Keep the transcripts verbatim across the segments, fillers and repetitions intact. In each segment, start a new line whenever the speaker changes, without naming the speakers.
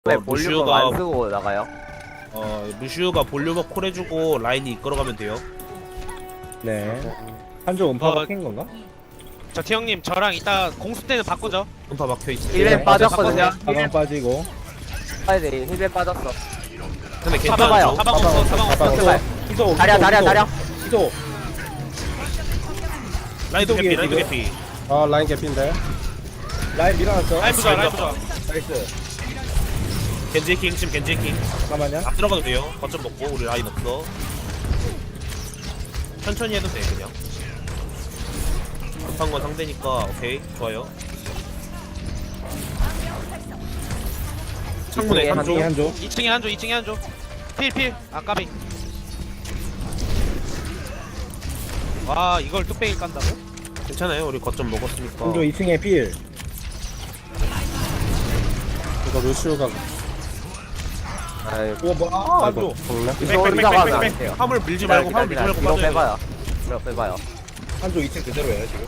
왜
어,
볼륨을
루시오가-
안 쓰고 나가요?
어 루시우가 볼륨업 콜 해주고 라인이 이끌어가면 돼요.
네. 한조 음파
어,
박힌 건가?
저 티형님 저랑 이따 공수 때는 바꾸죠.
음파 막혀있어.
힐벤
네,
빠졌거든요.
가방 빠지고.
빠야 돼. 힐벤 빠졌어.
근데
잡아봐요.
괜찮죠?
사방 없어, 사방 없어.
가방
제발.
이소.
다리야, 다리야, 다리야.
이소.
라인도 개피,
이쪽이에요,
라인도
지금?
개피.
아 라인 개피인데
라인 밀어놨어.
라인 부자, 라인 부자.
나이스.
겐지 킹, 지금 겐지 킹.
잠깐만요.
안 들어가도 돼요. 거점 먹고 우리 라인 없어. 천천히 해도 돼 그냥. 급한 건 상대니까 오케이 좋아요. 창문에
이층에
한조.
한조 한조.
이 층에 한조, 이 층에 한조. 필, 필. 아, 까비. 와, 이걸 뚝배기 깐다고?
괜찮아요. 우리 거점 먹었으니까.
한조 이 층에 필.
이거 루시오가
아유,
우와 뭐? 아,
아이고
한조.
죽네.
이거 올라가면 안 돼요.
화물 밀지 말고 화물 밀지 말고
이거
빠져야 돼.
빼봐요. 이거 빼봐요.
한조 이 층 그대로예요 지금.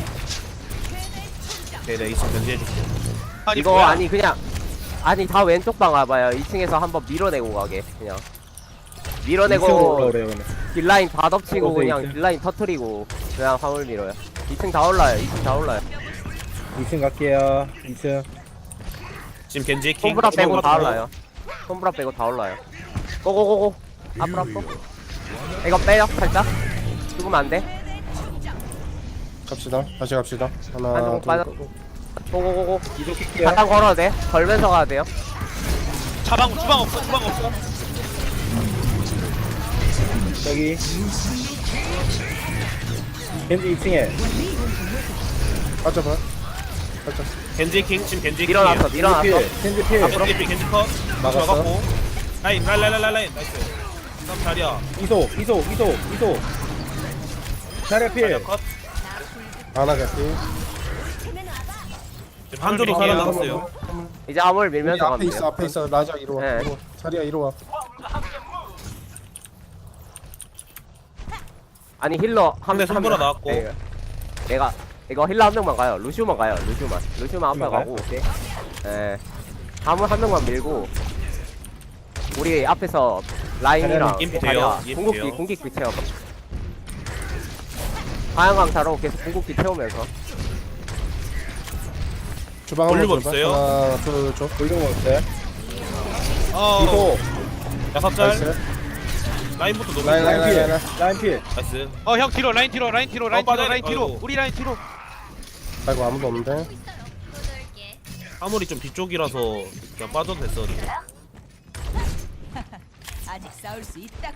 네, 네, 이층 견제해줄게.
아니,
이거
뭐야?
아니 그냥 아니 다 왼쪽 방 와봐요. 이 층에서 한번 밀어내고 가게 그냥.
이층으로
밀어내고
올라오래요 그러면.
딜라인 다 덮치고
어디
그냥
있지?
딜라인 터트리고 그냥 화물 밀어요. 이 층 다 올라요. 이 층 다 올라요.
이 층 갈게요. 이 층.
지금 겐지 킹.
손브라 빼고 다
들어가고.
올라요. 손브라 빼고 다 올라요. 고고고고. 앞으로 앞으로. 이거 빼요 살짝. 죽으면 안 돼.
갑시다. 다시 갑시다. 하나
한쪽
둘
빠져. 고고고고.
이도 킬게요.
바탕 걸어도 돼. 걸면서 가야 돼요.
자방, 주방 없어, 주방 없어.
여기. 겐지 이 층에.
빠져봐. 빠져.
겐지 킹 지금 겐지 킹.
밀어놨어. 밀어놨어.
필. 겐지 필.
겐지 필 겐지 컷.
막았어.
막았고. 라인 라인 라인 라인 라인 나이스. 다음 자리야.
이소 이소 이소 이소. 자리야
자리야
필.
컷.
하나 개피.
지금 한조도
밀게요.
살아남았어요.
이제 암을
여기
밀면서
앞에
가면
있어.
돼요.
앞에 있어. 라자 이리 와.
네.
이리 와. 자리야 이리 와.
아니 힐러 한
근데 손보라
한 명-
나왔고.
네, 내가 이거 힐러 한 명만 가요. 루시오만 가요. 루시오만. 루시오만 앞에
루시오만
가고. 오케이. 예. 화물 한 명만 밀고 우리 앞에서 라인이랑
임피
다리야,
돼요. 임피
궁극기
돼요.
궁극기 채워. 하양강타로 계속 궁극기 채우면서
주방
볼륨
한번 줘봐.
없어요?
하나 둘 줘.
골동 먹었어요.
어,
이소.
야삽 짤.
나이스.
라인부터 너무
라인,
좋아.
라인,
라인 필.
라인.
라인 필.
나이스.
어, 형 뒤로, 라인 뒤로, 라인 뒤로, 라인
어,
뒤로,
빠져.
라인 뒤로.
아이고.
우리 라인 뒤로.
아이고 아무도 없는데.
화물이 좀 뒤쪽이라서 그냥 빠져도 됐어. 우리.
아직 싸울 수 있다.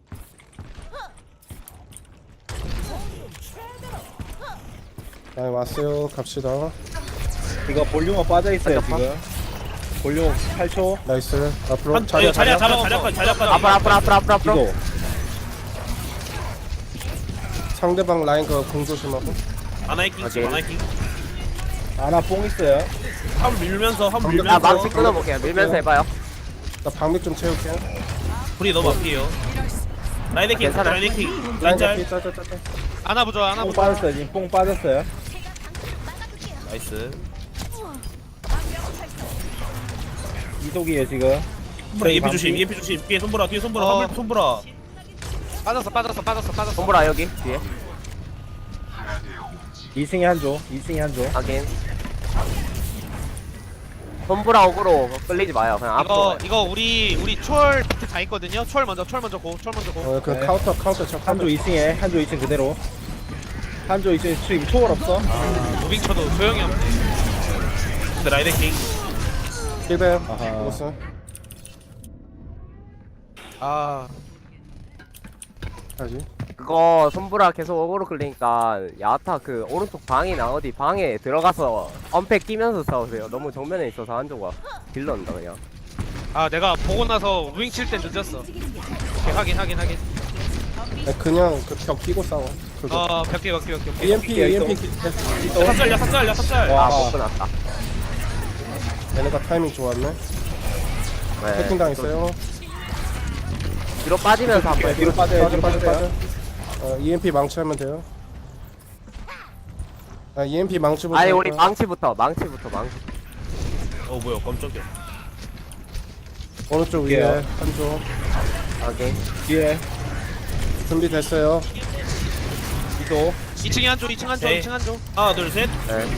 라인 왔어요. 갑시다.
이거 볼륨업 빠져 있어요 지금. 볼륨 팔 초.
나이스. 앞으로
한
자리야
자리야
자리야.
자리야 자리야 자리야 자리야.
앞으로 앞으로 앞으로 앞으로 앞으로.
이소.
상대방 라인 그공 조심하고.
아나이킹
오케이.
지금 아나이킹.
아나 뽕 있어요.
화물 밀면서 화물
방금-
아
밀면서.
망치 끊어볼게요. 밀면서 해봐요.
나 방맥 좀 채울게.
불이 너무 앞이에요. 라인킹
괜찮아.
라인킹 라인
라인
짤.
개피. 짜짜짜짜.
안아 보자, 안아
뽕
보자.
빠졌어요 지금. 뽕 빠졌어요.
나이스.
이속이에요 지금.
손보라 이엠피
방피.
조심 이엠피 조심. 뒤에 손보라 뒤에 손보라
어.
화물 손보라.
빠졌어, 빠졌어, 빠졌어, 빠졌어.
손보라 여기 뒤에.
이 층에 한조. 이 층에 한조.
확인. 손보라 어그로 끌리지 마요. 그냥 앞으로.
이거
가요.
이거 우리 우리 초월 비트 다 있거든요. 초월 먼저, 초월 먼저 고, 초월 먼저 고.
어, 그
네.
카운터 카운터 쳐.
한조 이 층에 한조 이 층 그대로. 한조 이 층에 지금 초월 없어.
무빙 쳐도 소용이 없네.
근데 라인킹.
힐베.
아하.
먹었어.
아,
하지.
그거 손보라 계속 어그로 끌리니까 야타 그 오른쪽 방이나 어디 방에 들어가서 언팩 끼면서 싸우세요. 너무 정면에 있어서 한조가 딜러인다 그냥.
아 내가 보고 나서 무빙 칠 때 늦었어. 오케이, 확인, 확인, 확인.
아, 그냥 그 벽 끼고 싸워. 그거.
어, 벽기, 벽기, 벽기, 벽기.
이엠피 이엠피.
야삽 짤 야삽 짤 야삽 짤.
와.
아 못 끊었다.
얘네가 타이밍 좋았네.
네.
해킹 당했어요.
뒤로 빠지면서 한번
뒤로 빠져요.
빠져
뒤로
빠져 빠져.
빠져요.
어, 이엠피 망치하면 돼요. 아 이엠피 망치부터.
아니
할
우리
거야.
망치부터 망치부터 망치.
어 뭐야 깜짝이야.
오른쪽 위에
예.
한조
확인.
뒤에
준비됐어요.
이도
이 층에 한조 이 층 한조
네.
이 층 한조.
하나 둘셋
네.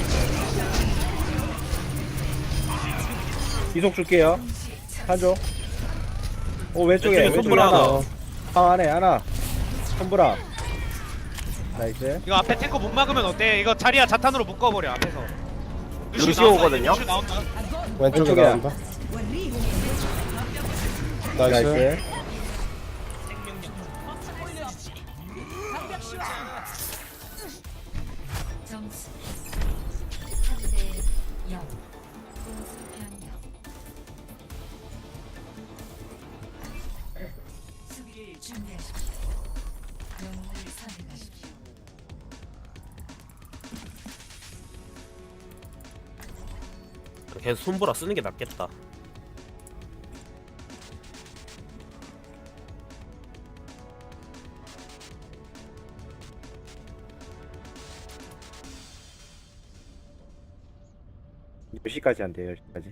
이속 줄게요. 한조. 오 왼쪽에
왼쪽에
왼쪽에
손보라
하나.
하나.
방 안에 하나. 손보라. 나이스.
이거 앞에 탱커 못 막으면 어때? 이거 자리야 자탄으로 묶어버려 앞에서.
루시오 오거든요?
루시오 나온다.
왼쪽에
왼쪽에.
나온다. 나이스.
나이스.
점수 삼 대 영. 공수 변경. 수비를 준비하십시오. 영웅을 선택하십시오.
계속 손보라 쓰는 게 낫겠다.
몇 시까지 한대요? 열 시까지.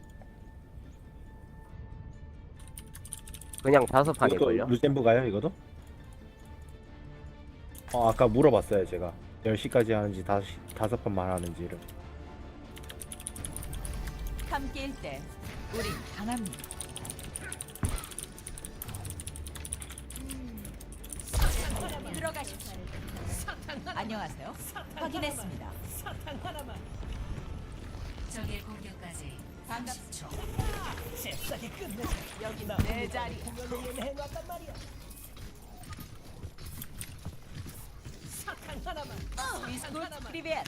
그냥 다섯
이것도
판일걸요?
루젠브가요 이거도? 어 아까 물어봤어요 제가 열 시까지 하는지 다섯, 시, 다섯 판만 하는지를.
함께일 때 우린 강합니다. 들어가십시오. 안녕하세요. 확인했습니다. 적의 공격까지 삼십 초. 여기다 내 자리. 비스쿨 프리벳.